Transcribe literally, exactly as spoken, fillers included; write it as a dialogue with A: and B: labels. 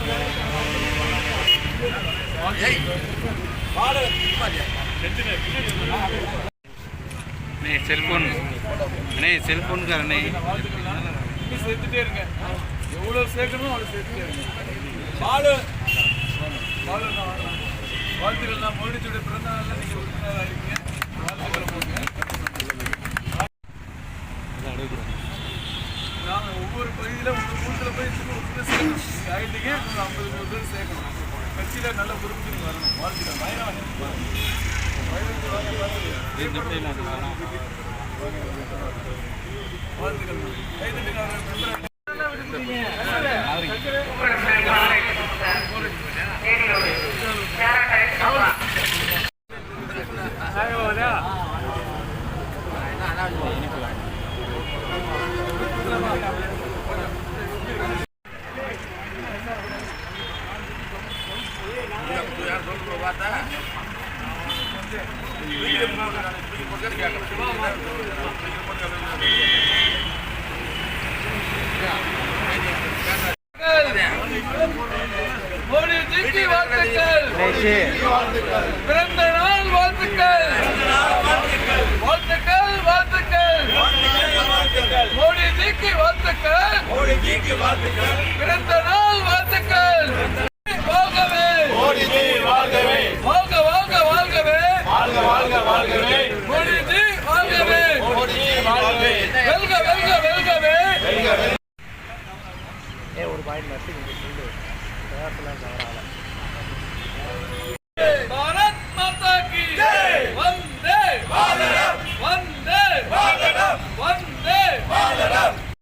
A: Cellphone அண்ணே cellphone காரண்ணே
B: சேர்த்துட்டே இருங்க. எவ்வளோ சேர்க்கணும் அவ்வளோ சேர்த்துட்டே இருங்க. பாலு பாலு வாழ்த்துக்கள். நான் மோடிச்சுடைய பிறந்த நாளில் நீங்கள் உறுப்பினராக இருக்கீங்க. வாழ்த்துக்களை போங்க. நாங்கள் ஒவ்வொரு பகுதியில் உங்கள் கூட்டத்தில் போய் உறுப்பினர் சேர்க்கணும். நீங்கள் ஆகிட்டீங்க ஒரு ஐம்பது நூறு பேர் சேர்க்கணும். கட்சியில் நல்ல பொறுப்பு வரணும். வாழ்த்துக்கள். வாழ்த்துக்கள். கைதட்டி மோடிஜிக்கு வாழ்த்துக்கள். பிறந்த நாள் வாழ்த்துக்கள். வாழ்த்துக்கள் வாழ்த்துக்கள். மோடிஜிக்கு வாழ்த்துக்கள். பிறந்த நாள் வாழ்த்துக்கள். வாழ்கவே மோடிஜி வாழ்கவே. வாழ்க வாழ்க வாழ்கவே. வாழ்க வாழ்க வாழ்கவே. மோடிஜி வாழ்கவே. மோடிஜி வாழ்கவே. வெல்க வெல்க வெல்கவே. ஒரு பாயிண்ட் நர்சிங் சொல்லு.